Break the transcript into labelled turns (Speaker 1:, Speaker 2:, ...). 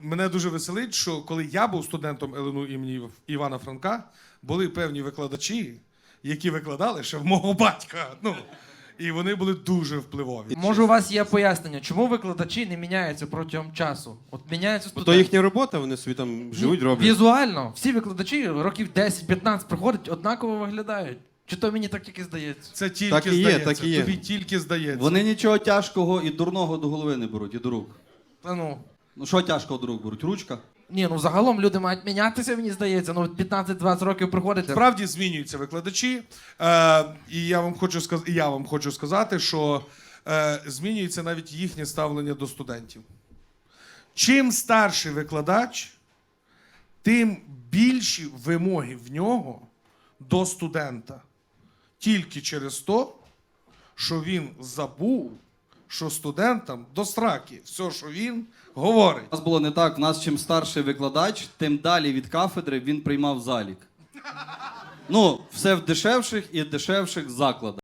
Speaker 1: Мене дуже веселить, що коли я був студентом ЛНУ імені Івана Франка, були певні викладачі, які викладали ще в мого батька. Ну, і вони були дуже впливові.
Speaker 2: Може, у вас є пояснення, чому викладачі не міняються протягом часу? От міняються
Speaker 3: Бо
Speaker 2: студенти.
Speaker 3: то їхня робота, вони собі там живуть, роблять.
Speaker 2: Візуально. Всі викладачі років 10-15 приходять, однаково виглядають. Чи то мені так тільки здається?
Speaker 1: Це тільки
Speaker 3: Так і є,
Speaker 1: здається.
Speaker 3: так і є.
Speaker 1: Тобі тільки здається.
Speaker 4: Вони нічого тяжкого і дурного до голови не беруть, і до рук.
Speaker 2: Та ну.
Speaker 4: Ну що тяжкого до рук беруть? Ручка?
Speaker 2: Ні, ну загалом люди мають мінятися, мені здається. Ну, 15-20 років приходить.
Speaker 1: Справді змінюються викладачі, і я вам хочу сказати, що змінюється навіть їхнє ставлення до студентів. Чим старший викладач, тим більші вимоги в нього до студента. Тільки через те, що він забув, що студентам до сраки все, що він говорить.
Speaker 4: У нас було не так, в нас чим старший викладач, тим далі від кафедри він приймав залік. Ну, все в дешевших і дешевших закладах.